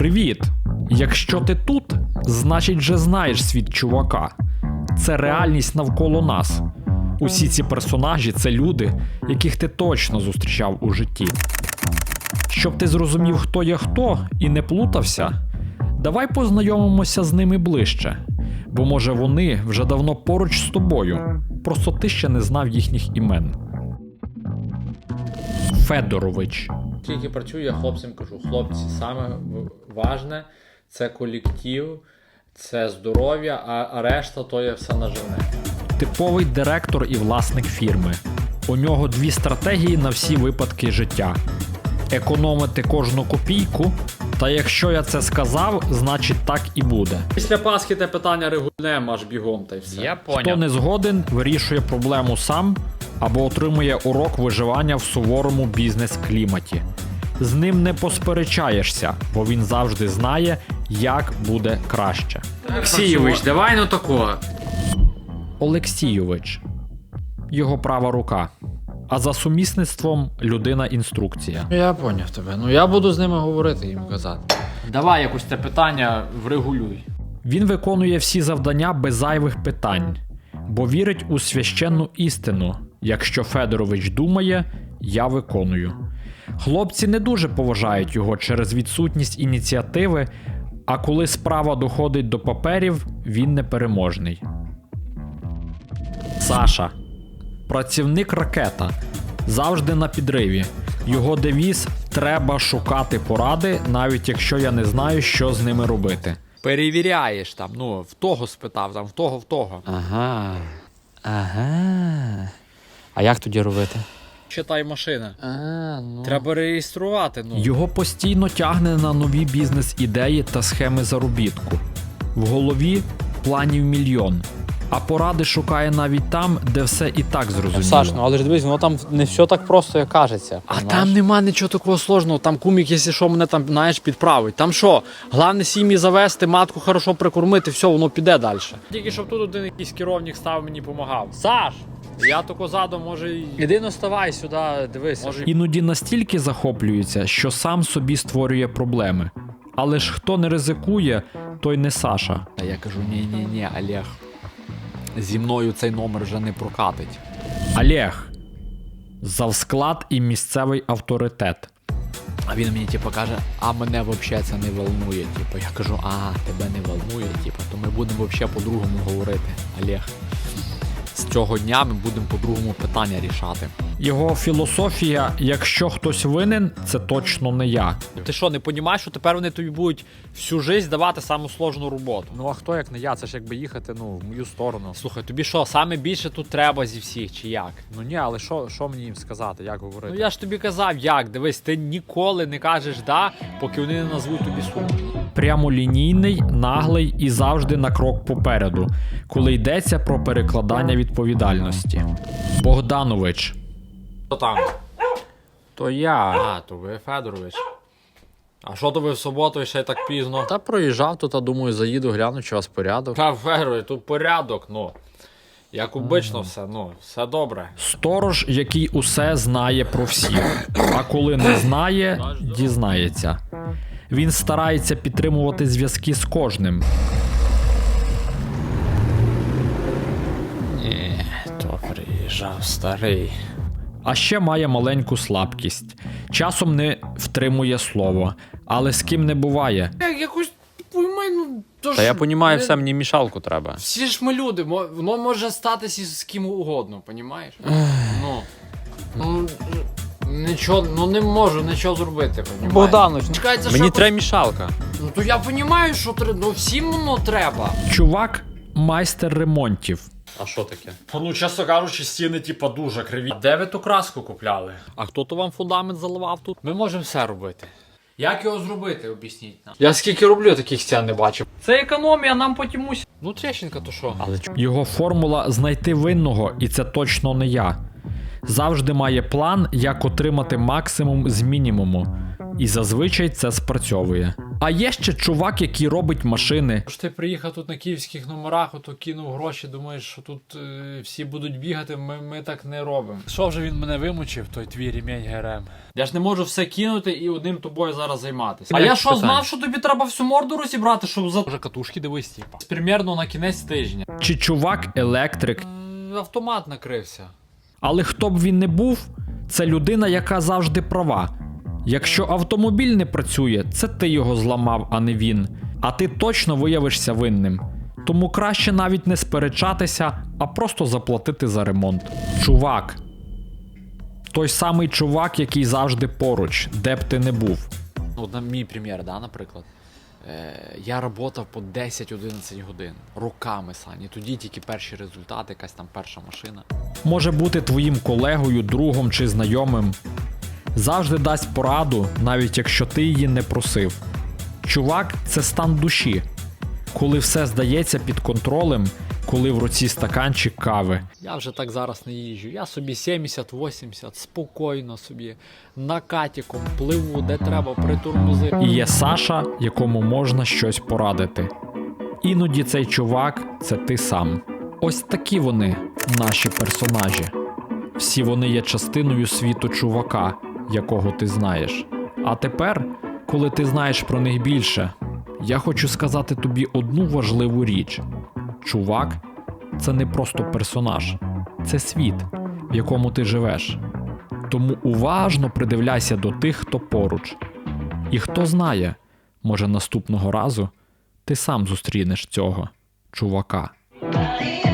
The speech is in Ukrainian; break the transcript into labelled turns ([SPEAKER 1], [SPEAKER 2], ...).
[SPEAKER 1] Привіт! Якщо ти тут, значить вже знаєш світ чувака. Це реальність навколо нас. Усі ці персонажі – це люди, яких ти точно зустрічав у житті. Щоб ти зрозумів, хто є хто і не плутався, давай познайомимося з ними ближче. Бо може вони вже давно поруч з тобою, просто ти ще не знав їхніх імен. Федорович.
[SPEAKER 2] Тільки працюю, я хлопцям кажу, хлопці, саме важне – це колектив, це здоров'я, а решта то є все наживне.
[SPEAKER 1] Типовий директор і власник фірми. У нього дві стратегії на всі випадки життя. Економити кожну копійку, та якщо я це сказав, значить так і буде.
[SPEAKER 2] Після Пасхи те питання регульнемо аж бігом та й все.
[SPEAKER 3] Я поняв.
[SPEAKER 1] Хто не згоден, вирішує проблему сам або отримує урок виживання в суворому бізнес-кліматі. З ним не посперечаєшся, бо він завжди знає, як буде краще.
[SPEAKER 2] Олексійович, давай ну такого.
[SPEAKER 1] Олексійович. Його права рука. А за сумісництвом людина-інструкція.
[SPEAKER 3] Я поняв тебе. Ну я буду з ними говорити, їм казати.
[SPEAKER 2] Давай якось те питання врегулюй.
[SPEAKER 1] Він виконує всі завдання без зайвих питань, бо вірить у священну істину. Якщо Федорович думає, я виконую. Хлопці не дуже поважають його через відсутність ініціативи, а коли справа доходить до паперів, він непереможний. Саша. Працівник ракета. Завжди на підриві. Його девіз «Треба шукати поради, навіть якщо я не знаю, що з ними робити».
[SPEAKER 2] Перевіряєш там, ну, в того спитав, там, в того.
[SPEAKER 3] Ага. А як тоді робити?
[SPEAKER 2] Читай машина.
[SPEAKER 3] Ну.
[SPEAKER 2] Треба реєструвати, ну.
[SPEAKER 1] Його постійно тягне на нові бізнес-ідеї та схеми заробітку. В голові планів мільйон. А поради шукає навіть там, де все і так зрозуміло.
[SPEAKER 3] Саш, ну але ж дивись, воно там не все так просто, як кажеться.
[SPEAKER 2] А
[SPEAKER 3] понімаєш?
[SPEAKER 2] там нема нічого такого сложного, там кумік, якщо що, мене там, знаєш, підправить. Там що, головне сім'ї завести, матку хорошо прикормити, все, воно піде далі. Тільки щоб тут один якийсь керівник став, мені допомагав. Саш! Я тако задом, може,
[SPEAKER 3] Іди наставай сюди, дивися.
[SPEAKER 1] Іноді настільки захоплюється, що сам собі створює проблеми. Але ж хто не ризикує, той не Саша.
[SPEAKER 2] А я кажу, ні, Олег, зі мною цей номер вже не прокатить.
[SPEAKER 1] Олег. Завсклад і місцевий авторитет.
[SPEAKER 2] А він мені, типу, каже, а мене взагалі це не волнує. Типу, я кажу, тебе не волнує, типу, то ми будемо взагалі по-другому говорити, Олег. З цього дня ми будемо по-другому питання рішати.
[SPEAKER 1] Його філософія «якщо хтось винен, це точно не я».
[SPEAKER 2] Ти що, не розумієш, що тепер вони тобі будуть всю життя давати саму сложну роботу?
[SPEAKER 3] Ну а хто як не я? Це ж якби їхати, в мою сторону.
[SPEAKER 2] Слухай, тобі що, саме більше тут треба зі всіх, чи як?
[SPEAKER 3] Ну ні, але що мені їм сказати, як говорити?
[SPEAKER 2] Ну я ж тобі казав, як, дивись, ти ніколи не кажеш «да», поки вони не назвуть тобі суму.
[SPEAKER 1] Прямолінійний, наглий і завжди на крок попереду, коли йдеться про перекладання відповідальності. Богданович.
[SPEAKER 2] Хто там?
[SPEAKER 3] То я.
[SPEAKER 2] То ви Федорович. А що то ви в суботу ще й так пізно?
[SPEAKER 3] Та проїжджав тут, а думаю, заїду, гляну, чи у вас порядок.
[SPEAKER 2] Та Федорович, тут порядок, ну. Як обично все, все добре.
[SPEAKER 1] Сторож, який усе знає про всіх, а коли не знає, дізнається. Він старається підтримувати зв'язки з кожним.
[SPEAKER 2] Ні, то приїжджав старий.
[SPEAKER 1] А ще має маленьку слабкість. Часом не втримує слово, але з ким не буває.
[SPEAKER 2] Якось поймай, ну то ж.
[SPEAKER 3] Та я понімаю, все, мені мішалку треба.
[SPEAKER 2] Всі ж ми люди, воно може статися з ким угодно, понімаєш? Нічого, не можу нічого зробити, понімаєш?
[SPEAKER 3] Богданович,
[SPEAKER 2] Чекай, це
[SPEAKER 3] мені
[SPEAKER 2] що?
[SPEAKER 3] треба мішалка.
[SPEAKER 2] Ну то я понімаю, що треба, всім воно треба.
[SPEAKER 1] Чувак – майстер ремонтів.
[SPEAKER 3] А що таке?
[SPEAKER 2] Ну, чесно кажучи, стіни, типа, дуже криві. А де ви ту краску купляли? А хто то вам фундамент заливав тут? Ми можемо все робити. Як його зробити, об'ясніть нам. Я скільки роблю, таких стін не бачив. Це економія, нам потім усі. Ну, трещинка то що?
[SPEAKER 3] Але
[SPEAKER 1] Його формула – знайти винного, і це точно не я. Завжди має план, як отримати максимум з мінімуму. І зазвичай це спрацьовує. А є ще чувак, який робить машини.
[SPEAKER 2] Ж ти приїхав тут на київських номерах, ото кинув гроші, думаєш, що тут всі будуть бігати, ми так не робимо. Що вже він мене вимучив, той твій ремінь ГРМ? Я ж не можу все кинути і одним тобою зараз займатися. А я що, знав, що тобі треба всю морду розібрати, щоб за... Вже катушки дивись, типа. Примерно на кінець тижня.
[SPEAKER 1] Чи чувак електрик.
[SPEAKER 2] Автомат накрився.
[SPEAKER 1] Але хто б він не був, це людина, яка завжди права. Якщо автомобіль не працює, це ти його зламав, а не він. А ти точно виявишся винним. Тому краще навіть не сперечатися, а просто заплатити за ремонт. Чувак. Той самий чувак, який завжди поруч, де б ти не був.
[SPEAKER 3] От на мій примір, да, наприклад. Я працював по 10-11 годин. Роками, Сані. Тоді тільки перші результати, якась там перша машина.
[SPEAKER 1] Може бути твоїм колегою, другом чи знайомим. Завжди дасть пораду, навіть якщо ти її не просив. Чувак – це стан душі. Коли все здається під контролем, коли в руці стаканчик кави.
[SPEAKER 2] Я вже так зараз не їжджу. Я собі 70-80, спокійно собі, накатіком, пливу, де треба, притормози.
[SPEAKER 1] І є Саша, якому можна щось порадити. Іноді цей чувак – це ти сам. Ось такі вони, наші персонажі. Всі вони є частиною світу чувака, якого ти знаєш. А тепер, коли ти знаєш про них більше, я хочу сказати тобі одну важливу річ. Чувак – це не просто персонаж. Це світ, в якому ти живеш. Тому уважно придивляйся до тих, хто поруч. І хто знає, може наступного разу ти сам зустрінеш цього чувака.